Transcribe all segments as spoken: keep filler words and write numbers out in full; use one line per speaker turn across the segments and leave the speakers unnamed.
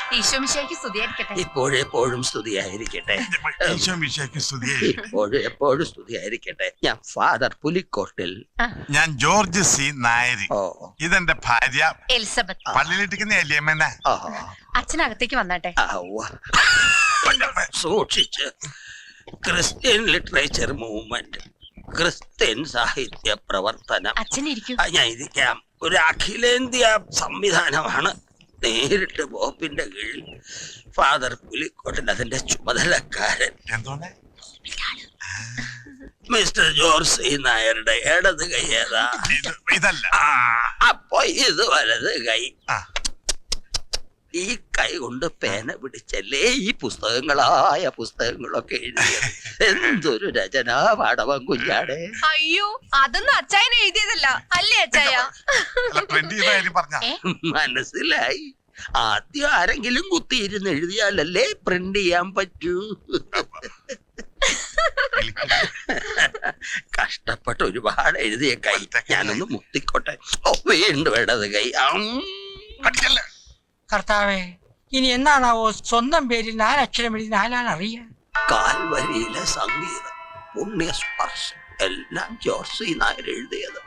ഈശോമിശിഹായ്ക്ക് സ്തുതിയായിരിക്കട്ടെ.
ഇപ്പോഴെപ്പോഴും സ്തുതിയായിരിക്കട്ടെ. ഇപ്പോഴും എപ്പോഴും സ്തുതിയായിരിക്കട്ടെ. ഞാൻ ഫാദർ പുലിക്കോട്ടിൽ.
ഞാൻ ജോർജ് സി നായരി. ഇതെന്റെ ഭാര്യ
എലിസബത്ത്.
പള്ളിയിലിട്ടിരിക്കുന്ന എലിയമ്മന.
അച്ഛനകത്തേക്ക് വന്നാട്ടെ.
സൂക്ഷിച്ച്. ക്രിസ്ത്യൻ ലിറ്ററേച്ചർ മൂവ്മെന്റ്, ക്രിസ്ത്യൻ സാഹിത്യ പ്രവർത്തനം.
അച്ഛനിരിക്കും.
ഞാൻ ഇരിക്കാം. ഒരു അഖിലേന്ത്യാ സംവിധാനമാണ്. നേരിട്ട് ബോപ്പിന്റെ കീഴിൽ ഫാദർ പുലിക്കോട്ടിൽ അതിന്റെ ചുമതലക്കാരൻ. മിസ്റ്റർ ജോർജ് സി നായരുടെ ഇടത് കൈ ഏതാ?
ഇതല്ല.
അപ്പൊ ഇത് വലത് കൈ. ഈ കൈ കൊണ്ട് പേന പിടിച്ചല്ലേ ഈ പുസ്തകങ്ങളായ പുസ്തകങ്ങളൊക്കെ എഴുതിയത്. എന്തൊരു രചനാ പാടവം കുഞ്ഞാടെ.
അയ്യോ, അതൊന്നും അച്ചായൻ എഴുതിയതല്ല അല്ലേ അച്ചായ?
മനസ്സിലായി. ആദ്യം ആരെങ്കിലും കുത്തിയിരുന്ന് എഴുതിയാലല്ലേ പ്രിന്റ് ചെയ്യാൻ പറ്റൂ. കഷ്ടപ്പെട്ട് ഒരുപാട് എഴുതിയ കൈ. ഞാനൊന്ന് മുത്തിക്കോട്ടെ. ഓ, വീണ്ടും ഇടത് കൈ.
കർത്താവേ, ഇനി എന്നാണാവോ സ്വന്തം പേരിൽ നാലക്ഷരം എഴുതി നാലാണ് അറിയാൻ.
കാൽവരിയിലെ സംഗീതം, പുണ്യസ്പർശം എല്ലാം ജോർജ് സി നായർ എഴുതിയത്.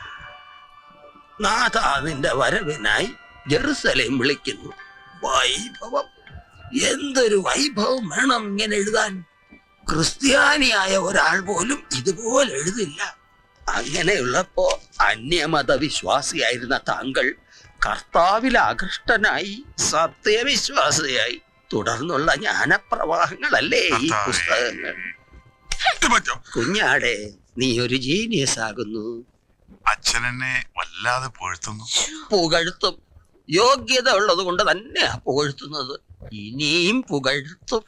നാഥ നിന്റെ വരവിനായി ജെറുസലേം വിളിക്കുന്നു. വൈഭവം, എന്തൊരു വൈഭവം വേണം ഇങ്ങനെ എഴുതാൻ. ക്രിസ്ത്യാനിയായ ഒരാൾ പോലും ഇതുപോലെ എഴുതില്ല. അങ്ങനെയുള്ളപ്പോ അന്യമത വിശ്വാസിയായിരുന്ന താങ്കൾ കർത്താവിൽ ആകൃഷ്ടനായി സത്യവിശ്വാസിയായി. തുടർന്നുള്ള ജ്ഞാനപ്രവാഹങ്ങളല്ലേ ഈ പുസ്തകങ്ങൾ. കുഞ്ഞാടെ, നീ ഒരു ജീനിയസ് ആകുന്നു.
അച്ഛനെന്നെ വല്ലാതെ പുകഴ്ത്തുന്നു.
പുകഴ്ത്തും. യോഗ്യത ഉള്ളത് കൊണ്ട് തന്നെയാ പുകഴ്ത്തുന്നത്. ഇനിയും പുകഴ്ത്തും.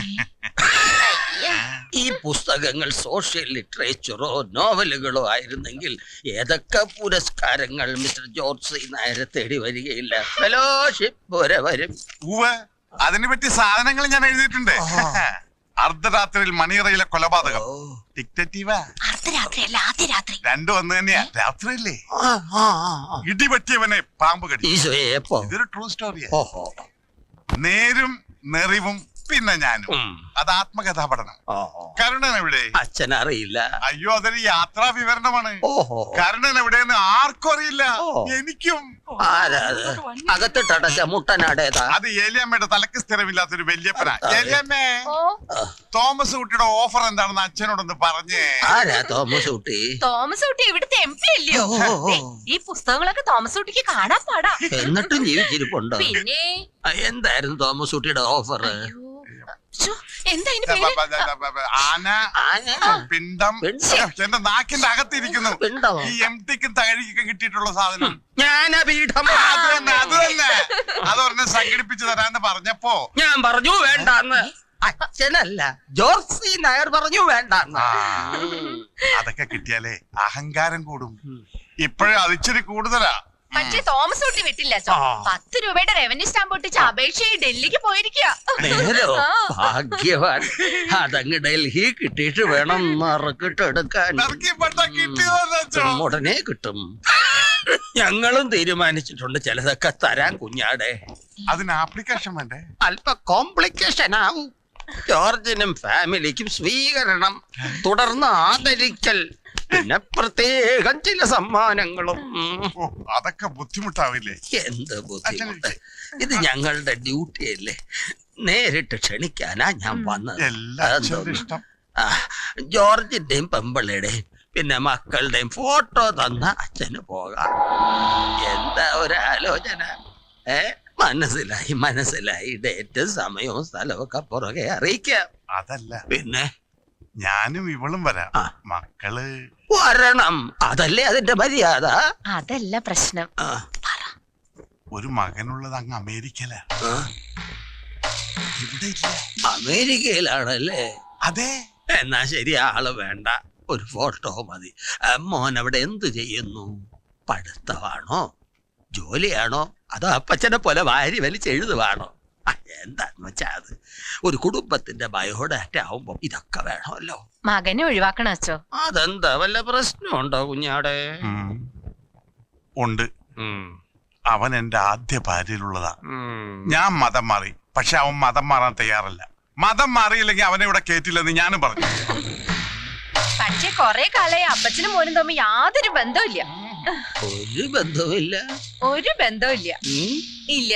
ഈ പുസ്തകങ്ങൾ സോഷ്യൽ ലിറ്ററേച്ചറോ നോവലുകളോ ആയിരുന്നെങ്കിൽ ഏതൊക്കെ പുരസ്കാരങ്ങൾ മിസ്റ്റർ ജോർജ് സി നായരെ തേടി വരികയില്ല. ഫെലോഷിപ്പ് വരെ വരും.
അതിനെ പറ്റി സാധനങ്ങൾ ഞാൻ എഴുതിയിട്ടുണ്ട്. അർദ്ധരാത്രിയിൽ മണിയറയിലെ കൊലപാതകം. രണ്ടും ഒന്ന് തന്നെയാ. രാത്രിയല്ലേ? ഇടിപറ്റിയവനെ പാമ്പ് കടി. ഇതൊരു ട്രൂ സ്റ്റോറിയാ. നേരും നെറിവും പിന്നെ ഞാനും. അത് ആത്മകഥാ പഠനം. കരുണൻ എവിടെ?
അച്ഛനറിയില്ല.
അയ്യോ, അതൊരു യാത്രാ വിവരണമാണ്. കരുണൻ എവിടെയെന്ന് ആർക്കും അറിയില്ല. എനിക്കും.
അകത്തിട്ടടച്ച മുട്ടനാടേതാ?
അത് ഏലിയമ്മയുടെ തലക്ക് സ്ഥിരമില്ലാത്തൊരു വല്യപ്പനാ. ഏലിയമ്മേ, തോമസ് കുട്ടിയുടെ ഓഫർ എന്താണെന്ന് അച്ഛനോടൊന്ന് പറഞ്ഞേ.
ആരാ തോമസ് കുട്ടി?
തോമസ് കുട്ടി ഇവിടുത്തെ എം പി അല്ലയോ? ഈ പുസ്തകങ്ങളൊക്കെ തോമസ് കുട്ടിക്ക് കാണാൻ പാടാ.
എന്നിട്ടും ജീവിച്ചിരിപ്പുണ്ടോ?
പിന്നെ
എന്തായിരുന്നു തോമസ് കുട്ടിയുടെ ഓഫർ?
ആന, പിണ്ടം. എന്റെ നാക്കിന്റെ അകത്തിരിക്കുന്നു. ഈ എം ടിക്കും തകഴിക്കും കിട്ടിയിട്ടുള്ള സാധനം.
ജ്ഞാനപീഠം.
അത് തന്നെ, അത് തന്നെ. അതൊരെണ്ണം സംഘടിപ്പിച്ചു തരാന്ന് പറഞ്ഞപ്പോ
ഞാൻ പറഞ്ഞു വേണ്ടാന്ന്. അച്ഛനല്ല, ജോർജ് സി നായർ പറഞ്ഞു വേണ്ടാന്ന്.
അതൊക്കെ കിട്ടിയാലേ അഹങ്കാരം കൂടും. ഇപ്പോഴും അതിച്ചിരി കൂടുതലാ.
പക്ഷേ തോമസ് കുട്ടി വിട്ടില്ല. പത്ത് രൂപയുടെ റവന്യൂ സ്റ്റാമ്പ് ഒട്ടിച്ച് അപേക്ഷയായി ഡൽഹിക്ക് പോയിരിക്കുക.
നേരോ? ഭാഗ്യവാൻ. അതങ്ങ് ഡൽഹി കിട്ടിയിട്ട് വേണം മറക്കിട്ടെടുക്കാൻ. ഉടനെ കിട്ടും. ഞങ്ങളും തീരുമാനിച്ചിട്ടുണ്ട് ചിലതൊക്കെ തരാൻ കുഞ്ഞാടെ.
അതിന് ആപ്ലിക്കേഷൻ വേണ്ടേ?
അല്പ കോംപ്ലിക്കേഷൻ ആവും. ജോർജിനും ഫാമിലിക്കും സ്വീകരണം, തുടർന്ന് ആദരിക്കൽ, പിന്നെ പ്രത്യേകം ചില സമ്മാനങ്ങളും.
അതൊക്കെ ബുദ്ധിമുട്ടാവില്ലേ?
എന്ത് ബുദ്ധിമുട്ട്? ഇത് ഞങ്ങളുടെ ഡ്യൂട്ടി അല്ലേ. നേരിട്ട് ക്ഷണിക്കാനാ ഞാൻ വന്നത്. ജോർജിന്റെയും പെമ്പിളയുടെയും പിന്നെ മക്കളുടെയും ഫോട്ടോ തന്ന അച്ഛന് പോകാം. എന്താ ഒരു ആലോചന? ഏ മനസ്സിലായി, മനസ്സിലായി. ഡേറ്റും സമയവും സ്ഥലവും ഒക്കെ പുറകെ അറിയിക്കാം.
അതല്ല,
പിന്നെ
ഞാനും ഇവളും വരാം. മക്കള്
വരണം. അതല്ലേ അതിന്റെ മര്യാദ.
അതല്ല പ്രശ്നം.
ഒരു മകനുള്ളത് അങ്ങ് അമേരിക്കയില. ഇവിടെ ഇല്ല.
അമേരിക്കയിലാണല്ലേ?
അതെ.
എന്നാ ശരി, ആള് വേണ്ട. ഒരു ഫോട്ടോ മതി. മോൻ അവിടെ എന്ത് ചെയ്യുന്നു? പഠിത്തമാണോ, ജോലിയാണോ, അതോ അപ്പച്ചനെ പോലെ വാരി വലിച്ചെഴുതുവാണോ? എന്താന്ന് വെച്ചാ അത് ഒരു കുടുംബത്തിന്റെ ബയോഡാറ്റ ആവുമ്പോ ഇതൊക്കെ വേണമല്ലോ.
മകനെ ഒഴിവാക്കണം അച്ചോ.
അതെന്താ, വല്ല പ്രശ്നമുണ്ടോ കുഞ്ഞാടെ?
ഉണ്ട്. അവൻ എന്റെ ആദ്യ ഭാര്യയിലുള്ളതാ. ഞാൻ മതം മാറി, പക്ഷെ അവൻ മതം മാറാൻ തയ്യാറല്ല. മതം മാറിയില്ലെങ്കിൽ അവനെ ഇവിടെ കേറ്റില്ലെന്ന് ഞാനും പറഞ്ഞു.
പക്ഷെ കൊറേ കാലായി അപ്പച്ചനും മോനും തമ്മിൽ യാതൊരു ബന്ധമില്ല.
ഒരു ബന്ധവുമില്ല.
ഒരു ബന്ധമില്ല. ഇല്ല.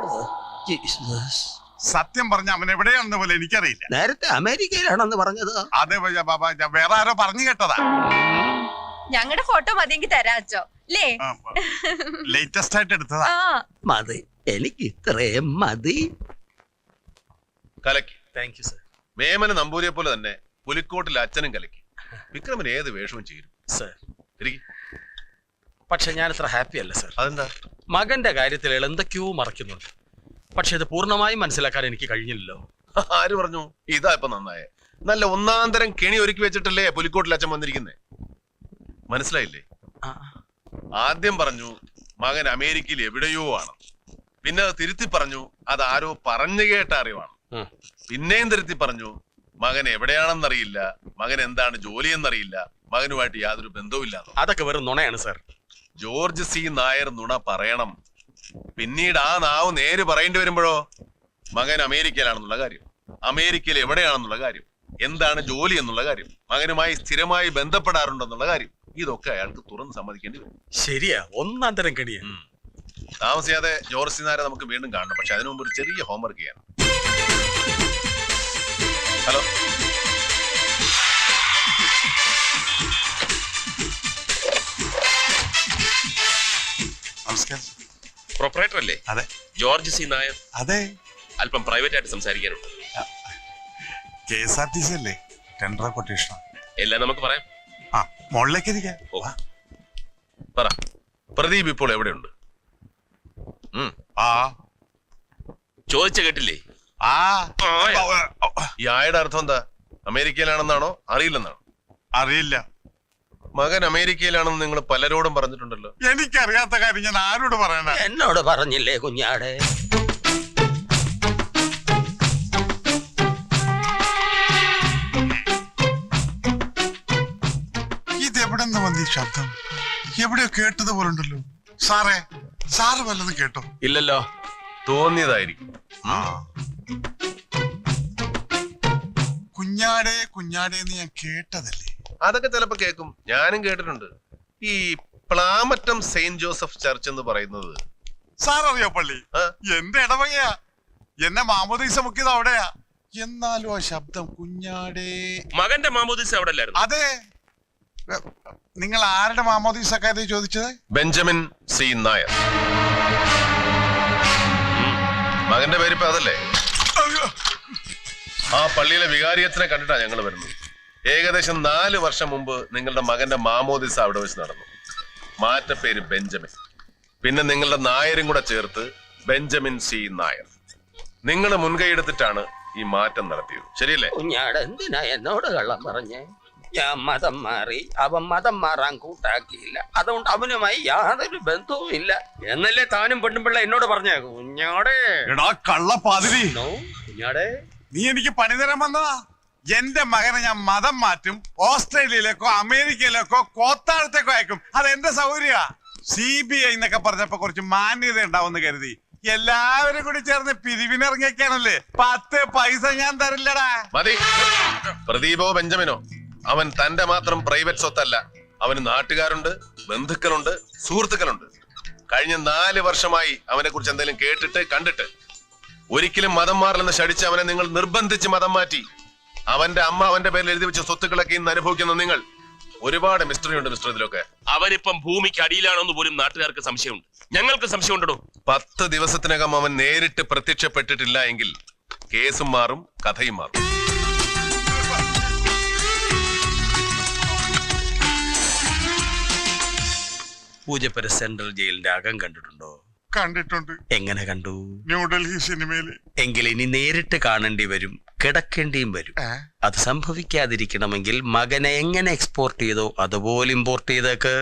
സത്യം പറഞ്ഞ അവൻ എവിടെയാണെന്ന് പോലെ എനിക്കറിയില്ല.
നേരത്തെ അമേരിക്കയിലാണെന്ന് പറഞ്ഞത്.
അതെ ബാബാ, വേറെ ആരോ പറഞ്ഞു കേട്ടതാ.
ഞങ്ങളുടെ ഫോട്ടോ മതിയെങ്കിൽ തരാച്ചോ അല്ലേ?
ലേറ്റസ്റ്റ് ആയിട്ട് എടുത്തതാ.
മതി, എനിക്ക് ഇത്രയും മതി.
കലക്കി.
Thank you sir.
വേമന നമ്പൂരിയെ പോലെ തന്നെ പുലിക്കോട്ടിൽ അച്ഛനും കലക്കി. വിക്രമന് ഏത് വേഷവും ചേരും
സർ.
ഇരിക്ക്.
പക്ഷെ ഞാൻ ഇത്ര ഹാപ്പി അല്ല സർ.
അതെന്താ?
മകന്റെ കാര്യത്തിൽ അയാൾ എന്തൊക്കെയോ മറക്കുന്നുണ്ട്. പക്ഷെ ഇത് പൂർണ്ണമായും മനസ്സിലാക്കാൻ എനിക്ക് കഴിഞ്ഞില്ലല്ലോ.
ആര് പറഞ്ഞു? ഇതാ ഇപ്പൊ നന്നായേ. നല്ല ഒന്നാന്തരം കെണി ഒരുക്കി വെച്ചിട്ടല്ലേ പുലിക്കോട്ടിൽ അച്ഛൻ വന്നിരിക്കുന്നേ. മനസ്സിലായില്ലേ? ആദ്യം പറഞ്ഞു മകൻ അമേരിക്കയിൽ എവിടെയോ ആണ്. പിന്നെ അത് തിരുത്തി പറഞ്ഞു അത് ആരോ പറഞ്ഞു കേട്ട അറിവാണ്. പിന്നെയും തിരുത്തി പറഞ്ഞു മകൻ എവിടെയാണെന്നറിയില്ല, മകൻ എന്താണ് ജോലി എന്നറിയില്ല, മകനുമായിട്ട് യാതൊരു ബന്ധവുമില്ല.
അതൊക്കെ വെറും നുണയാണ് സർ.
ജോർജ് സി നായർ നുണ പറയണം. പിന്നീട് ആ നാവ് നേര് പറയേണ്ടി വരുമ്പോഴോ മകൻ അമേരിക്കയിലാണെന്നുള്ള കാര്യം, അമേരിക്കയിൽ എവിടെയാണെന്നുള്ള കാര്യം, എന്താണ് ജോലി എന്നുള്ള കാര്യം, മകനുമായി സ്ഥിരമായി ബന്ധപ്പെടാറുണ്ടെന്നുള്ള കാര്യം, ഇതൊക്കെ അയാൾക്ക് തുറന്ന് സമ്മതിക്കേണ്ടി വരും.
ശരിയാ, ഒന്നാം തരം കണിയാ.
താമസിയാതെ ജോർജ് സി നായരെ നമുക്ക് വീണ്ടും കാണണം. പക്ഷെ അതിനു മുമ്പ് ഒരു ചെറിയ ഹോംവർക്ക് ചെയ്യണം. ഹലോ,
നമസ്കാരം.
പ്രൊപ്പറേറ്റർ അല്ലേ?
അതെ.
George C Nair?
അതെ.
അല്പം പ്രൈവറ്റ് ആയിട്ട് സംസാരിക്കാനുണ്ട്.
K S R T C അല്ലേ? ടെൻഡർ കൊട്ടേഷൻ
എല്ലാം നമുക്ക് പറയാം.
ആ, മുകളിലേക്ക് ഇരിക്കാം.
പറ, പ്രദീപ് ഇപ്പോൾ എവിടെയുണ്ട്?
ആ
ചോദിച്ച കേട്ടില്ലേ?
ആ
ഈ ആയുടെ അർത്ഥം എന്താ? അമേരിക്കയിലാണെന്നാണോ അറിയില്ലെന്നാണോ?
അറിയില്ല.
മകൻ അമേരിക്കയിലാണെന്ന് നിങ്ങൾ പലരോടും പറഞ്ഞിട്ടുണ്ടല്ലോ.
എനിക്കറിയാത്ത കാര്യം ഞാൻ ആരോട് പറയണ?
എന്നോട് പറഞ്ഞില്ലേ കുഞ്ഞാടെ?
ഇതെവിടെ നിന്ന് വന്ന ഈ ശബ്ദം? എവിടെയോ കേട്ടതുപോലുണ്ടല്ലോ. സാറേ, സാറ് വല്ലതും കേട്ടോ?
ഇല്ലല്ലോ. തോന്നിയതായിരിക്കും.
കുഞ്ഞാടേ കുഞ്ഞാടേ എന്ന് ഞാൻ കേട്ടതല്ലേ?
അതൊക്കെ ചിലപ്പോ കേൾക്കും. ഞാനും കേട്ടിട്ടുണ്ട്. ഈ പ്ലാമറ്റം സെയിന്റ് ജോസഫ് ചർച്ച് എന്ന് പറയുന്നത്
സാർ അറിയോ? പള്ളി എന്റെ ഇടവകയാ. എന്നെ മാമോദീസ മുക്കിയത് അവിടെയാ. എന്നാലും ആ ശബ്ദം കുഞ്ഞാടേ.
മകന്റെ മാമോദീസ അവിടെ അല്ലായിരുന്നു?
അതെ. നിങ്ങൾ ആരുടെ മാമോദീസ കാര്യം ചോദിച്ചത്?
Benjamin C Nair. മകന്റെ പേരിപ്പോ അതല്ലേ? ആ പള്ളിയിലെ വികാരിയച്ഛനെ കണ്ടിട്ടാ ഞങ്ങൾ വരുന്നത്. ഏകദേശം നാല് വർഷം മുമ്പ് നിങ്ങളുടെ മകന്റെ മാമോദിസ അവിടെ വെച്ച് നടന്നു. മാറ്റപ്പേര് ബെഞ്ചമിൻ. പിന്നെ നിങ്ങളുടെ നായരും കൂടെ ചേർത്ത് ബെഞ്ചമിൻ സി നായർ. നിങ്ങൾ മുൻകൈ എടുത്തിട്ടാണ് ഈ മാറ്റം നടത്തിയത്, ശരിയല്ലേ?
കുഞ്ഞാട് എന്തിനാ എന്നോട് കള്ളം പറഞ്ഞേ? ഞാൻ മതം മാറി, അവൻ മതം മാറാൻ കൂട്ടാക്കിയില്ല. അതുകൊണ്ട് അവനുമായി യാതൊരു ബന്ധവും ഇല്ല എന്നല്ലേ താനും പെണ്ണുപിള്ള എന്നോട് പറഞ്ഞേ. കുഞ്ഞാടേ,
എടാ കള്ളപ്പാതിരി,
കുഞ്ഞാടേ,
നീ എനിക്ക് പണി തരാൻ വന്നതാ. എന്റെ മകനെ ഞാൻ മതം മാറ്റും. ഓസ്ട്രേലിയയിലേക്കോ അമേരിക്കയിലേക്കോ കോത്താഴത്തേക്കോ അയക്കും. അത് എന്റെ സൗകര്യ. സി ബി ഐ എന്നൊക്കെ പറഞ്ഞപ്പോ കുറച്ച് മാന്യത ഉണ്ടാവുമെന്ന് കരുതി എല്ലാവരും കൂടി ചേർന്ന് പിരിവിനിറങ്ങിയൊക്കെയാണല്ലേ. പത്ത് പൈസ ഞാൻ തരില്ലടാ.
മതി. പ്രദീപോ ബെഞ്ചമിനോ അവൻ തന്റെ മാത്രം പ്രൈവറ്റ് സ്വത്തല്ല. അവന് നാട്ടുകാരുണ്ട്, ബന്ധുക്കളുണ്ട്, സുഹൃത്തുക്കളുണ്ട്. കഴിഞ്ഞ നാല് വർഷമായി അവനെ കുറിച്ച് എന്തെങ്കിലും കേട്ടിട്ട് കണ്ടിട്ട് ഒരിക്കലും മതം മാറില്ലെന്ന് ശടിച്ച് അവനെ നിങ്ങൾ നിർബന്ധിച്ച് മതം മാറ്റി. അവന്റെ അമ്മ അവന്റെ പേരിൽ എഴുതി വെച്ച സ്വത്തുക്കളൊക്കെ ഇന്ന് അനുഭവിക്കുന്ന നിങ്ങൾ. ഒരുപാട് മിസ്റ്ററി ഉണ്ട് മിസ്റ്റർ ഇതിലൊക്കെ.
അവനിപ്പം ഭൂമിക്ക് അടിയിലാണെന്ന് പോലും നാട്ടുകാർക്ക് സംശയമുണ്ട്. ഞങ്ങൾക്ക് സംശയമുണ്ടോ?
പത്ത് ദിവസത്തിനകം അവൻ നേരിട്ട് പ്രത്യക്ഷപ്പെട്ടിട്ടില്ല എങ്കിൽ കേസും മാറും, കഥയും മാറും.
പൂജപ്പുര സെൻട്രൽ ജയിലിന്റെ അകം കണ്ടിട്ടുണ്ടോ?
കണ്ടിട്ടുണ്ട്.
എങ്ങനെ കണ്ടു?
ന്യൂഡൽഹി സിനിമയില്.
എങ്കിൽ ഇനി നേരിട്ട് കാണേണ്ടി വരും, കിടക്കേണ്ടിയും വരും. അത് സംഭവിക്കാതിരിക്കണമെങ്കിൽ മകനെ എങ്ങനെ എക്സ്പോർട്ട് ചെയ്തോ അതുപോലെ ഇമ്പോർട്ട് ചെയ്തേക്ക്.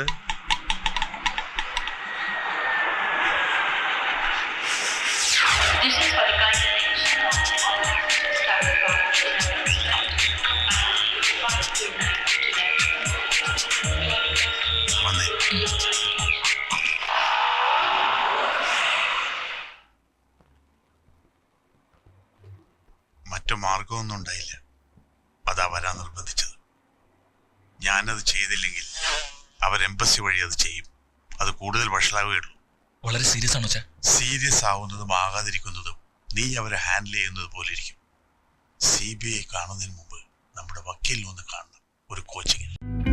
മറ്റു മാർഗമൊന്നും ഉണ്ടായില്ല. അതാ വരാൻ നിർബന്ധിച്ചത്. ഞാനത് ചെയ്തില്ലെങ്കിൽ അവർ എംബസി വഴി അത് ചെയ്യും. അത് കൂടുതൽ വഷളാവുകയുള്ളൂ.
വളരെ സീരിയസ് ആണോ ചാ?
സീരിയസ് ആവുന്നതും ആകാതിരിക്കുന്നതും നീ അവരെ ഹാൻഡിൽ ചെയ്യുന്നത് പോലെ ഇരിക്കും. സി ബി ഐ കാണുന്നതിന് മുമ്പ് നമ്മുടെ വക്കീലിനെ ഒന്ന് കാണണം, ഒരു കോച്ചിങ്ങിൽ.